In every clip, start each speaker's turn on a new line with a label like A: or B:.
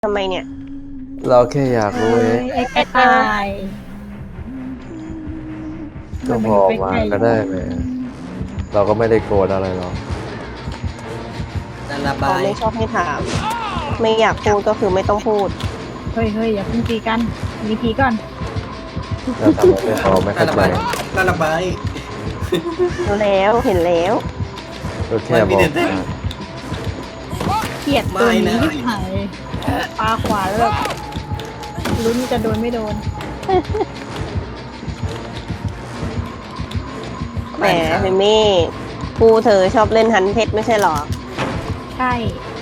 A: ทำไมเนี่ย
B: เราแค่อยากรู้เอง
C: ไอ้กระต่าย
B: ก็บอกมาก็ได้ไหมเราก็ไม่ได้โกรธอะไรหรอก
D: การระ
A: เขา
D: บาย
A: ไม่ชอบให้ถาม ไม่อยากพูดก็คือไม่ต้องพูด
C: เฮ้ยอย่าเพิ่งตีกันมีทีก่อน
B: เราทำไมไม่พอไม่
D: การ
B: เข้า
D: ระ
B: ใจ
D: บายการระบาย
A: รู้แล้วเห็นแล้ว
B: ก็แค่บอกมา
C: เกลียดตัวนี้ที่หายปลาขวาแล้วแบบลุ้นจะโดนไม่โดน
A: แหมเมมี่ครูเธอชอบเล่นฮันเพชรไม่ใช่หรอ
C: ใช่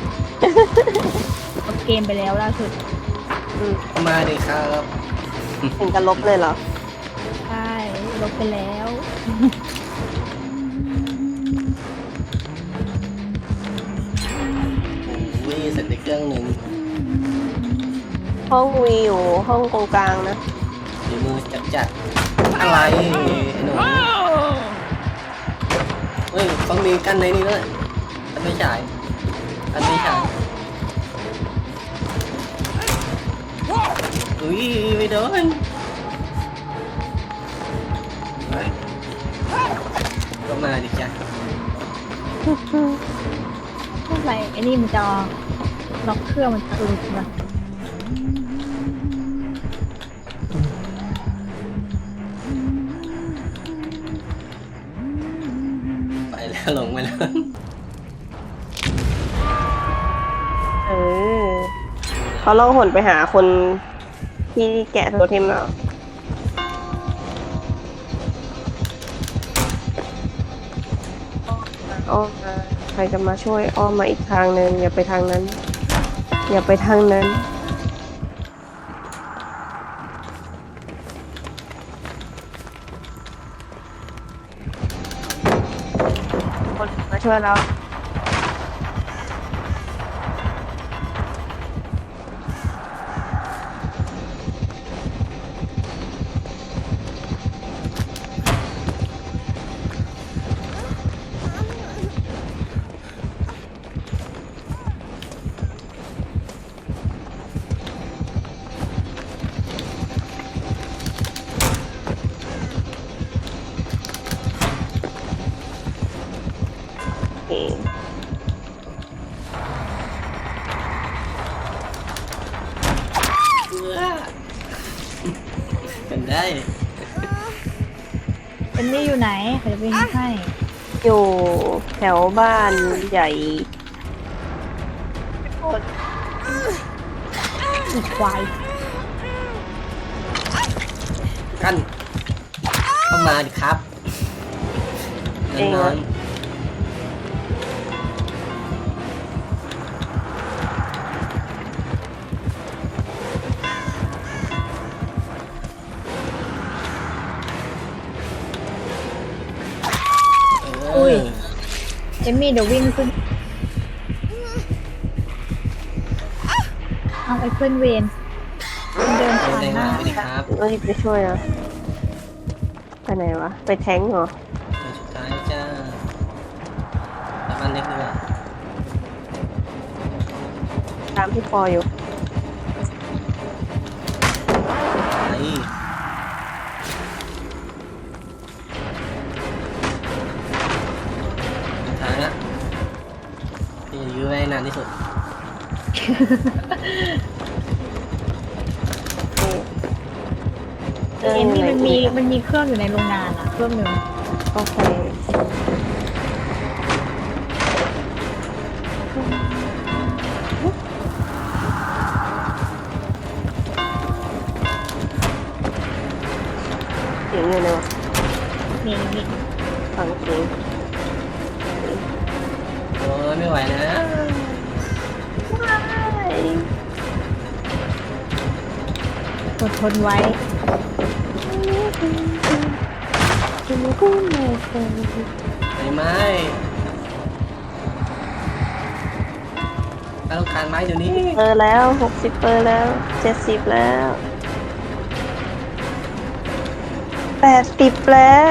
C: ลบเกมไปแล้วล่าสุด
D: มาดิครับ
A: ถึงกับลบเลยเหรอ
C: ใช่ลบไปแล้ว
D: วิ่งเสร็จในเครื่องหนึ่ง
A: ห้องวีอยู่ห้องตรงกลางนะ
D: ฝีมือจัดอะไรไอ้หนูเฮ้ยเขามีกันในนี้ด้วยกันไม่ฉายกันไม่ฉายอุ้ยไม่โดนก็มาดิจ้ะ
C: เท่าไหร่ไอ้นี่มันจะล็อกเครื่องมันจะหลุดมา
D: ไปแล้วลงไปแล้ว
A: เออเขาล่องหนไปหาคนที่แกะโทเทมแล้วอ้อมมาใครจะมาช่วยอ้อมมาอีกทางหนึ่งอย่าไปทางนั้น อย่าไปทางนั้นคนมาช่วยเราเอง
D: เป็นได้
C: เป็นนี่อยู่ไหนใครจะวิ่งให้
A: อยู่แถวบ้านใหญ่
C: อีกควาย
D: กันเข้ามาดิครับนอนเออ
C: เอมมี่เดี๋ยววิ่งขึ้นเอาไอ้เพื่อนเวนมันเดิน
D: เอา
C: ผ่าน
D: แรง
C: หน้า
D: มาไปดิครับ
A: รีบไปช่วยนะไปไหนวะ ไปแท้งเหรอ
D: ตัวสุดท้ายจ้าแล้วมันเล็กดีกว่า
A: ตามพี่ปออยู่
D: ไอ้สุดท้ายละพี่จะยื้อไว้ให้นานที่สุด
C: เอมมี่มันมีเครื่องอยู่ในโรงงานอะเครื่องหนึ่ง
A: โอเคเสียงอยู่เลยวะ
C: นี่
A: ฟังเสียง
D: โอ้ยไม่ไหวนะ
C: อดทนไว้
D: ไฟไหม้ถ้าต้องการไม้เดี๋ยวนี้
A: เปอร์แล้ว60 เปอร์แล้ว70แล้ว80แล้ว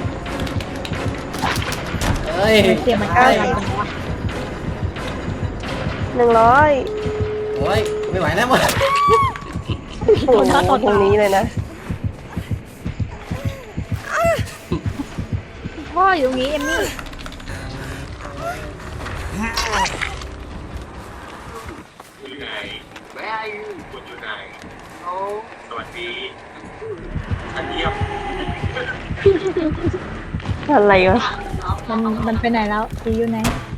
D: เอ้ย
C: เสียงมันใกล้กันจังวะ
A: 100
D: โอ้ยไม่ไหวแล้วหมด
A: โอ้โหตรงนี้เลยนะ
C: พ่ออยู่ตรงนี้เอมมี่
A: อะไรวะ
C: มันไปไหนแล้วตีอยู่ไหน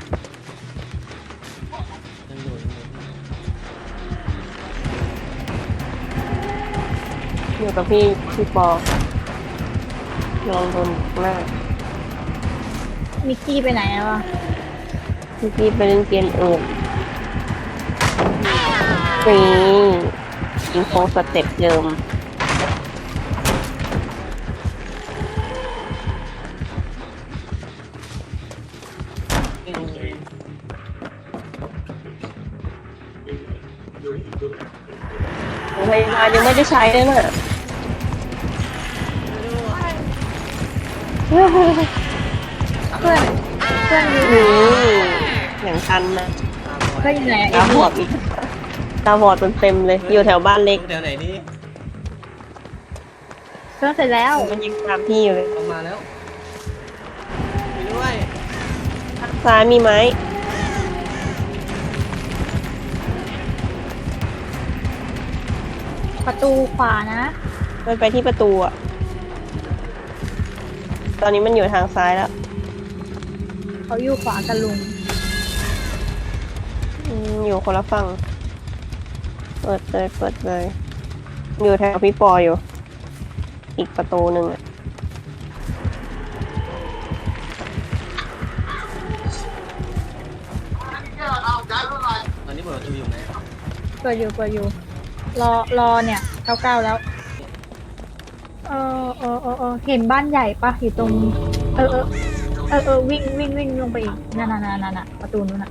A: อยู่กับพี่ปอลองโดนมาก
C: มิกกี้ไปไหนแล้วอะ
A: พี่ไปเล่นเกมอื่นนี่ยิงโค้งสเต็ปเดิมพยาบาลยังไม่ได้ใช้เลยน่ะ
C: เพื่อนอยู่
A: นี่อย่างชันนะ
C: เพื่อนอยู่ไหนเอ
A: ตาม บ
C: มี่
A: อดอีกตาบอดเต็มเลย อยู่แถวบ้านเล็ก
D: แถวไหนนี่
C: เพื่อนเสร็จแล้ว
A: มันยิงตามพี่อยู่เลย
D: ออกมาแล้วไปด้วย
A: ทางซ้ายมีไหม
C: ประตูขวานะ
A: มันไปที่ประตูอ่ะ ตอนนี้มันอยู่ทางซ้ายแล้ว
C: เขาอยู่ขวากับลุง
A: อยู่คนละฝั่ง เปิดเลย อยู่แถวพี่ปออยู่ อีกประตูหนึ่งอ่ะ
D: ตอนนี้เปิดประตูอยู่ไหน
C: เปิดอยู่รอเนี่ย99แล้วเห็นบ้านใหญ่ปะอยู่ตรงวิ่งลงไปอีกนั่นประตูนู้นน่ะ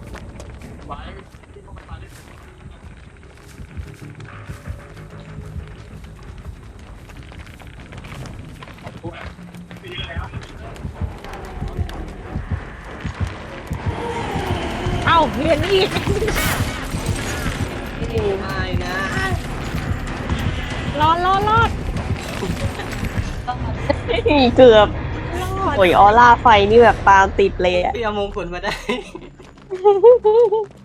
C: เอ้าเห็นอีก
D: ไม่นะ
C: รอด
A: เกือบโอ้ยออร่าไฟนี่แบบตามติดเลยอ่ะ
D: พี่เอามงกุฎมาได้